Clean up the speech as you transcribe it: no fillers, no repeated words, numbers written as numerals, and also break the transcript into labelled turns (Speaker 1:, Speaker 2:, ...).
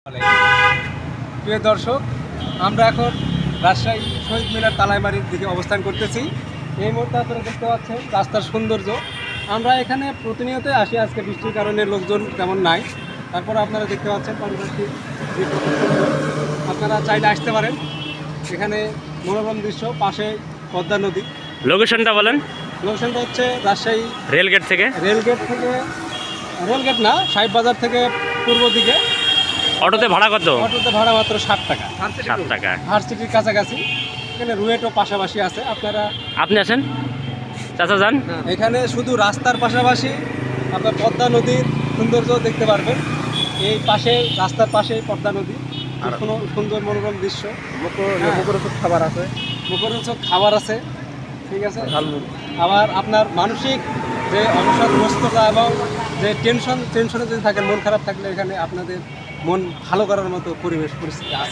Speaker 1: প্রিয় দর্শক, আমরা এখন রাজশাহী শহীদ মিনার তালাইমারির দিকে অবস্থান করতেছি। এই মুহূর্তে আপনারা দেখতে পাচ্ছেন রাস্তার সৌন্দর্য। আমরা এখানে প্রতিনিয়ত আসি, আজকে বৃষ্টির কারণে লোকজন তেমন নাই। তারপরে আপনারা দেখতে পাচ্ছেন পাশাপাশি যে সুন্দর, আপনারা চাইলে আসতে পারেন। এখানে মনোরম দৃশ্য, পাশে পদ্মা নদী।
Speaker 2: লোকেশনটা বলেন।
Speaker 1: লোকেশনটা হচ্ছে রাজশাহী
Speaker 2: রেলগেট থেকে
Speaker 1: রেলগেট না, সাহেব বাজার থেকে পূর্ব দিকে।
Speaker 2: অটোতে ভাড়া কত?
Speaker 1: অটোতে ভাড়া মাত্র 60 টাকা।
Speaker 2: 7 টাকা।
Speaker 1: ভার্সিটির কাছাকাছি। এখানে রুয়েটও পাশাপাশি আছে। আপনারা
Speaker 2: আপনি আছেন চাচা যান।
Speaker 1: এখানে শুধু রাস্তার পাশাপাশি আপনার পদ্মা নদীর সৌন্দর্য দেখতে পারবেন। এই পাশে, রাস্তার পাশে পদ্মা নদী, কোনো সুন্দর মনোরম দৃশ্য। মুখরোচক খাবার আছে, ঠিক আছে। আবার আপনার মানসিক যে অবসাদগ্রস্ততা এবং যে টেনশনে যদি থাকেন, মন খারাপ থাকলে এখানে আপনাদের মন ভালো করার মতো পরিবেশ পরিস্থিতি আছে।